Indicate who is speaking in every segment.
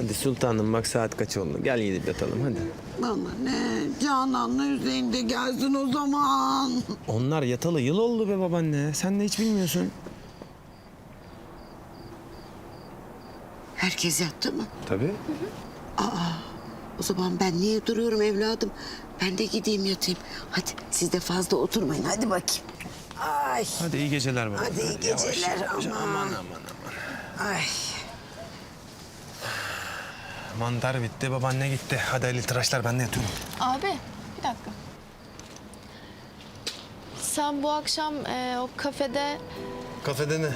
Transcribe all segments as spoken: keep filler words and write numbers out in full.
Speaker 1: Hadi sultanım bak saat kaç oldu. Gel gidip yatalım hadi.
Speaker 2: Bana ne? Canan'la Hüseyin de gelsin o zaman.
Speaker 1: Onlar yatalı yıl oldu be babaanne. Sen de hiç bilmiyorsun.
Speaker 2: Herkes yattı mı?
Speaker 1: Tabii.
Speaker 2: O zaman ben niye duruyorum evladım? Ben de gideyim yatayım. Hadi siz de fazla oturmayın. Hadi bakayım. Ay.
Speaker 1: Hadi iyi geceler baba.
Speaker 2: Hadi iyi geceler.
Speaker 1: Yavaş,
Speaker 2: Aman.
Speaker 1: aman aman aman.
Speaker 2: Ay.
Speaker 1: Mantar bitti, babaanne gitti. Hadi Ali tıraşlar, ben de yatıyorum.
Speaker 3: Abi bir dakika. Sen bu akşam e, o kafede
Speaker 1: Kafede ne?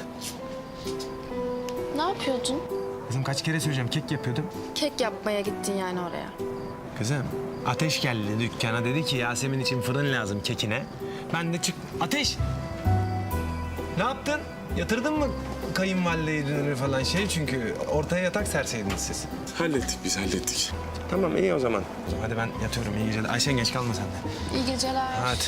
Speaker 3: ne yapıyordun?
Speaker 1: Kızım kaç kere söyleyeceğim, kek yapıyordum.
Speaker 3: Kek yapmaya gittin yani oraya.
Speaker 1: Kızım, Ateş geldi dükkana, dedi ki Yasemin için fırın lazım kekine. Ben de çık... Ateş! Ne yaptın? Yatırdın mı kayınvalideyi falan şey çünkü ortaya yatak serseydiniz siz.
Speaker 4: Hallettik biz, hallettik.
Speaker 1: Tamam iyi o zaman. O zaman hadi ben yatıyorum, iyi geceler. Ayşen geç kalma sen de.
Speaker 3: İyi geceler.
Speaker 1: Hadi.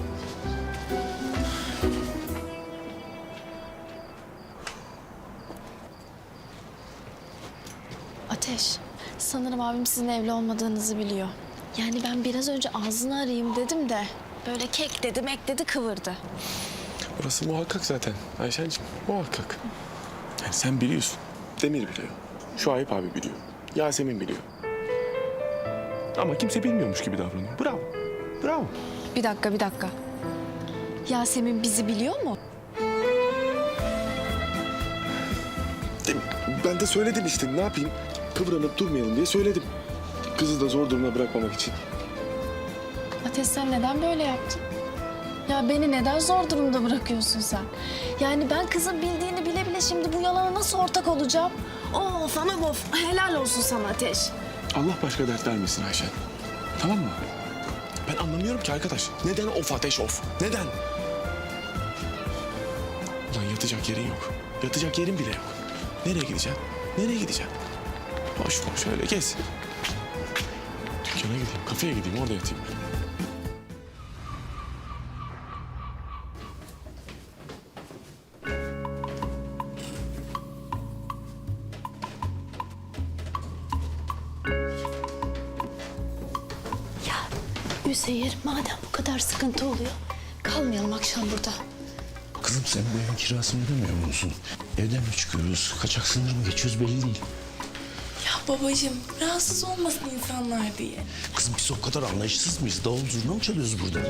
Speaker 3: Ateş, sanırım abim sizin evli olmadığınızı biliyor. Yani ben biraz önce ağzını arayayım dedim de böyle kek dedi, mek dedi, kıvırdı.
Speaker 4: Orası muhakkak zaten Ayşen'cim, muhakkak. Yani sen biliyorsun, Demir biliyor, Şuayb abi biliyor, Yasemin biliyor. Ama kimse bilmiyormuş gibi davranıyor. Bravo, bravo.
Speaker 3: Bir dakika, bir dakika. Yasemin bizi biliyor mu?
Speaker 4: Dem- Ben de söyledim işte, ne yapayım? Kıvranıp durmayalım diye söyledim. Kızı da zor durumda bırakmamak için.
Speaker 3: Ateş sen neden böyle yaptın? Ya beni neden zor durumda bırakıyorsun sen? Yani ben kızın bildiğini bile bile şimdi bu yalana nasıl ortak olacağım? Of anam of. Helal olsun sana Ateş.
Speaker 4: Allah başka dert vermesin Ayşen. Tamam mı? Ben anlamıyorum ki arkadaş. Neden of ateş of? Neden? Ulan yatacak yerin yok. Yatacak yerin bile yok. Nereye gideceksin? Nereye gideceksin? Boş boş öyle gez. Dükkana gideyim, kafeye gideyim, orada yatayım ben.
Speaker 3: Üzeyir madem bu kadar sıkıntı oluyor kalmayalım akşam burada.
Speaker 5: Kızım sen bu evin kirasını ödemiyor musun? Evden mi çıkıyoruz, kaçak sınır mı geçiyoruz belli değil.
Speaker 6: Ya babacığım rahatsız olmasın insanlar diye.
Speaker 5: Kızım biz o kadar anlayışsız mıyız? Davul zurna mı çalıyoruz burada?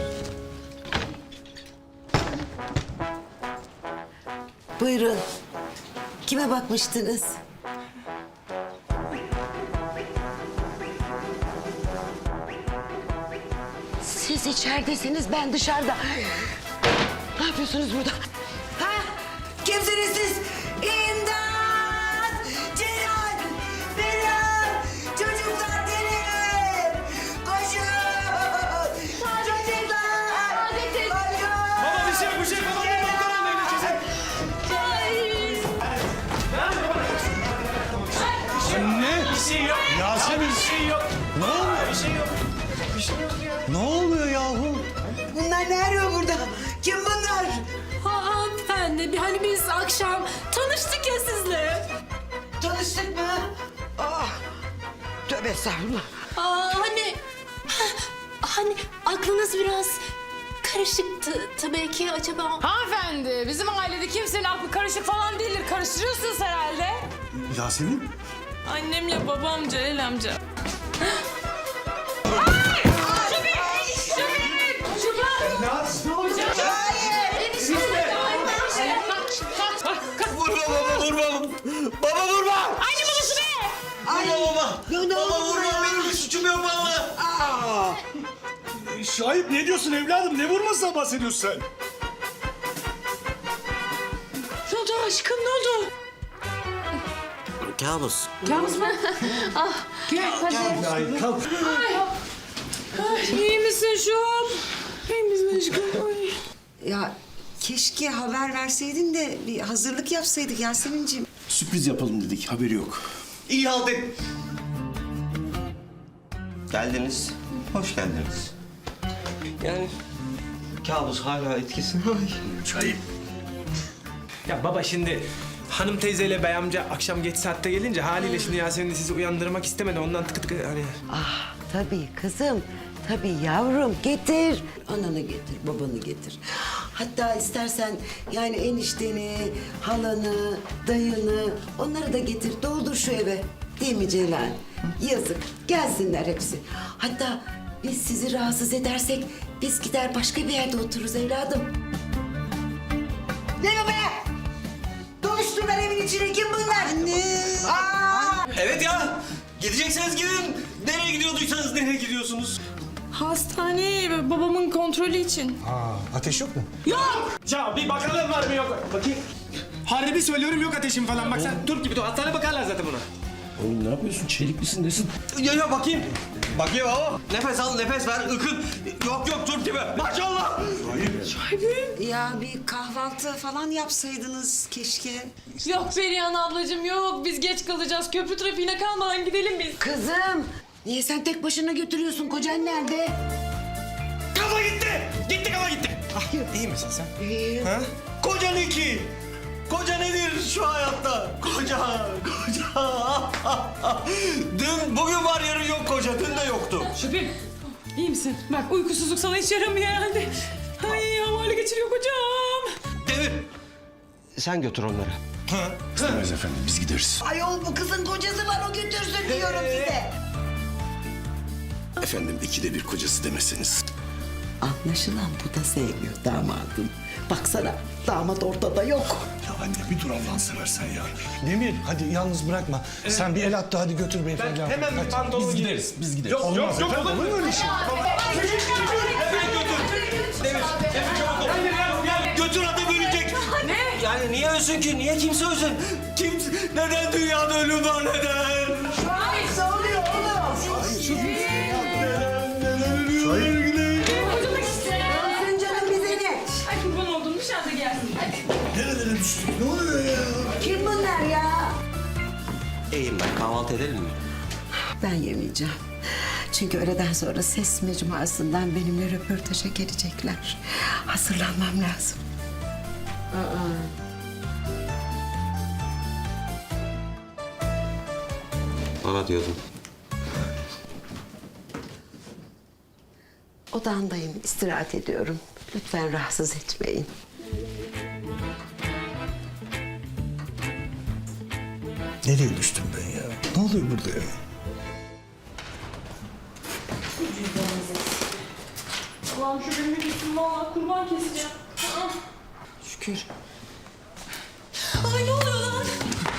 Speaker 2: Buyurun. Kime bakmıştınız? Siz içeridesiniz, ben dışarıda. Ne yapıyorsunuz burada? Ha? Kimsiniz siz? İmdat! Celal! Benim! Çocuklar benim! Koşun! Çocuklar! Koşun!
Speaker 1: Baba bir şey, bir şey. Baba bir doktor almayın ikisi.
Speaker 5: Anne!
Speaker 1: Bir şey yok.
Speaker 5: Yasemin!
Speaker 1: Bir şey yok.
Speaker 5: Ne oluyor?
Speaker 1: Bir şey yok. Bir şey yok ya.
Speaker 5: Ne oluyor yahu?
Speaker 2: Bunlar ne arıyor burada? Kim bunlar?
Speaker 6: Ha hanımefendi bir hani biz akşam tanıştık ya sizle.
Speaker 2: Tanıştık mı? Ah! Tövbe estağfurullah.
Speaker 6: Aa hani hani aklınız biraz karışıktı tabii ki acaba.
Speaker 7: Hanımefendi, bizim ailede kimsenin aklı karışık falan değildir. Karıştırıyorsunuz herhalde.
Speaker 5: Yasemin?
Speaker 6: Annemle babam Celal amca.
Speaker 5: Vurma baba vurma. Baba vurma.
Speaker 7: Aynı babası be!
Speaker 5: Vurma baba.
Speaker 2: Ne, ne oldu
Speaker 5: Baba vurma
Speaker 2: buraya?
Speaker 5: benim bir suçum yok baba.
Speaker 2: Aa!
Speaker 8: Şahip ne diyorsun evladım? Ne vurmasından bahsediyorsun sen?
Speaker 6: Ne oldu aşkım ne oldu?
Speaker 5: Kabus.
Speaker 8: Ay kalk.
Speaker 6: İyi misin şu an? İyi misin aşkım? Ay.
Speaker 2: Ya keşke haber verseydin de bir hazırlık yapsaydık Yasemin'ciğim.
Speaker 5: Sürpriz yapalım dedik haberi yok.
Speaker 9: İyi halt et. Geldiniz. Hoş geldiniz. Yani kabus hala etkisinde. Ay.
Speaker 1: Ya baba şimdi hanım teyzeyle bey amca akşam geç saatte gelince haliyle şimdi Yasemin de sizi uyandırmak istemedi. Ondan tıkı tıkı hani...
Speaker 2: Ah tabii kızım. Tabii yavrum getir. Ananı getir, babanı getir. Hatta istersen yani enişteni, halanı, dayını onları da getir. Doldur şu eve. Değil mi Celal? Yazık. Gelsinler hepsi. Hatta biz sizi rahatsız edersek biz gider başka bir yerde otururuz evladım. Ne bu be? Doluşturlar evin içine. Kim bunlar? Anne. Aa!
Speaker 9: Evet ya. Gidecekseniz gidin. Nereye gidiyorduysanız nereye gidiyorsunuz?
Speaker 7: Hastaneye babamın kontrolü için.
Speaker 8: Aa, ateş yok mu?
Speaker 1: Ya bir bakalım var mı yok. Bakayım. Harbi söylüyorum yok ateşim falan. Bak sen Türk gibi dur. Hastane bakarlar zaten buna.
Speaker 5: Oğlum ne yapıyorsun? Çelik misin nesin?
Speaker 9: Ya ya bakayım. Bakayım baba. Nefes al, nefes ver. Ikın. Yok yok Türk gibi. Maşallah.
Speaker 2: Ya bir kahvaltı falan yapsaydınız keşke.
Speaker 7: Yok Perihan ablacığım yok. Biz geç kalacağız. Köprü trafiğine kalmadan gidelim biz.
Speaker 2: Kızım, niye sen tek başına götürüyorsun? Kocan nerede?
Speaker 9: Kafa gitti. Gitti kafa gitti.
Speaker 1: İyi misin sen?
Speaker 2: İyi.
Speaker 1: Ha?
Speaker 9: Koca iki. Koca nedir şu hayatta? Koca, koca. Dün, bugün var yarın yok koca. Dün de yoktu.
Speaker 7: Şüphem. İyi misin? Bak uykusuzluk sana hiç yaramıyor herhalde. Ay havale geçiriyor kocam.
Speaker 9: Demir. Sen götür onları.
Speaker 5: İstemez efendim biz gideriz.
Speaker 2: Ayol bu kızın kocası var o götürsün diyorum size.
Speaker 5: Efendim ikide bir kocası demeseniz.
Speaker 2: Anlaşılan bu da sevmiyor damadım. Baksana damat ortada yok.
Speaker 8: Ya anne bir dur Allah'ını seversen ya. Demir hadi yalnız bırakma. Sen bir el at da hadi götür beyefendi.
Speaker 1: Ben hemen bir pantolon
Speaker 5: Biz
Speaker 1: giyeyim.
Speaker 5: gideriz, biz gideriz.
Speaker 1: Yok
Speaker 8: Olmaz
Speaker 1: yok yok
Speaker 8: efendim,
Speaker 1: olur mu?
Speaker 8: olur mu öyle şey?
Speaker 9: Hemen götür. Demir. Demir çabuk ol. Götür adam ölecek. Ne? Yani niye ölsün ki? Niye kimse ölsün? Kimse... Neden dünyada ölüm var neden?
Speaker 2: Ne oluyor oğlum?
Speaker 9: Neden? Neden ölüyorlar?
Speaker 2: Ölsün canım bize ne?
Speaker 7: Ay kurban oldum dışarıda gelsin.
Speaker 8: Nerelere düştük? Ne oluyor ya?
Speaker 2: Kim bunlar ya?
Speaker 9: İyiyim ben. Kahvaltı edelim mi?
Speaker 2: Ben yemeyeceğim. Çünkü öğleden sonra ses mecmuasından benimle röportaja gelecekler. Hazırlanmam lazım.
Speaker 9: Bana diyordun.
Speaker 2: Odamdayım, istirahat ediyorum. Lütfen rahatsız etmeyin.
Speaker 8: Nereye düştüm ben ya? Ne oluyor burada ya?
Speaker 7: Allah'ım şu benim gitsin valla kurban keseceğim. Aa.
Speaker 2: Şükür.
Speaker 7: Ay ne oluyor lan?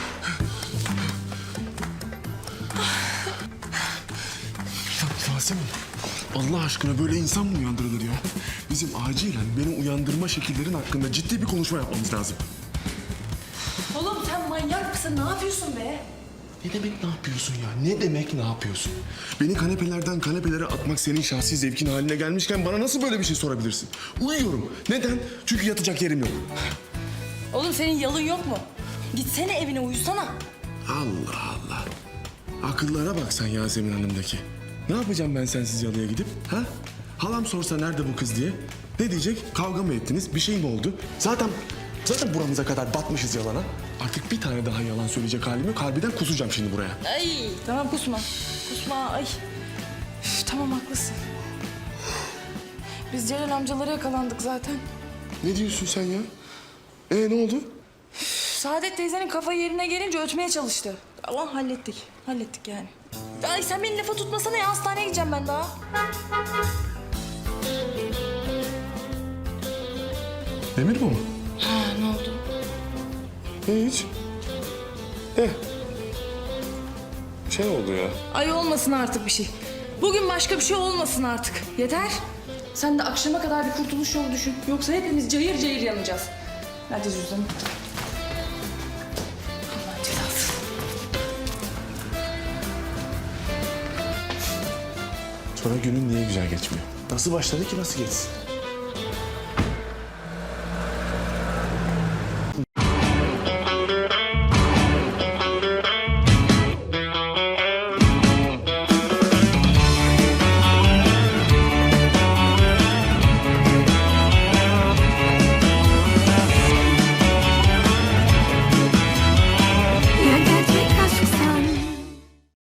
Speaker 4: Yasemin, Allah aşkına böyle insan mı uyandırılır ya? Bizim acilen beni uyandırma şekillerin hakkında ciddi bir konuşma yapmamız lazım.
Speaker 3: Oğlum sen manyak mısın? Ne yapıyorsun be?
Speaker 4: Ne demek ne yapıyorsun ya? Ne demek ne yapıyorsun? Beni kanepelerden kanepelere atmak senin şahsi zevkin haline gelmişken bana nasıl böyle bir şey sorabilirsin? Uyuyorum. Neden? Çünkü yatacak yerim yok.
Speaker 6: Oğlum senin yalın yok mu? Gitsene evine uyusana.
Speaker 4: Allah Allah. Akıllara bak sen Yasemin Hanım'daki. Ne yapacağım ben sensiz yalıya gidip? Ha? Halam sorsa nerede bu kız diye. Ne diyecek? Kavga mı ettiniz? Bir şey mi oldu? Zaten zaten buramıza kadar batmışız yalana. Artık bir tane daha yalan söyleyecek halim yok. Harbiden kusacağım şimdi buraya.
Speaker 6: Ay tamam kusma. Kusma ay. Üf, tamam haklısın. Biz Celal amcalara yakalandık zaten.
Speaker 4: Ne diyorsun sen ya? Ee ne oldu?
Speaker 6: Saadet teyzenin kafa yerine gelince ötmeye çalıştı. Ama hallettik. Hallettik yani. Ay sen beni lafa tutmasana ya. Hastaneye gideceğim ben daha.
Speaker 4: Demir mi o?
Speaker 6: Ha ne oldu?
Speaker 4: Hiç. Eh. Şey oldu ya.
Speaker 6: Ay olmasın artık bir şey. Bugün başka bir şey olmasın artık. Yeter. Sen de akşama kadar bir kurtuluş yolu düşün. Yoksa hepimiz cayır cayır yanacağız. Nerede cüzdanım? Allah'ın cezası.
Speaker 4: Sonra günün niye güzel geçmiyor? Nasıl başladı ki nasıl geçsin?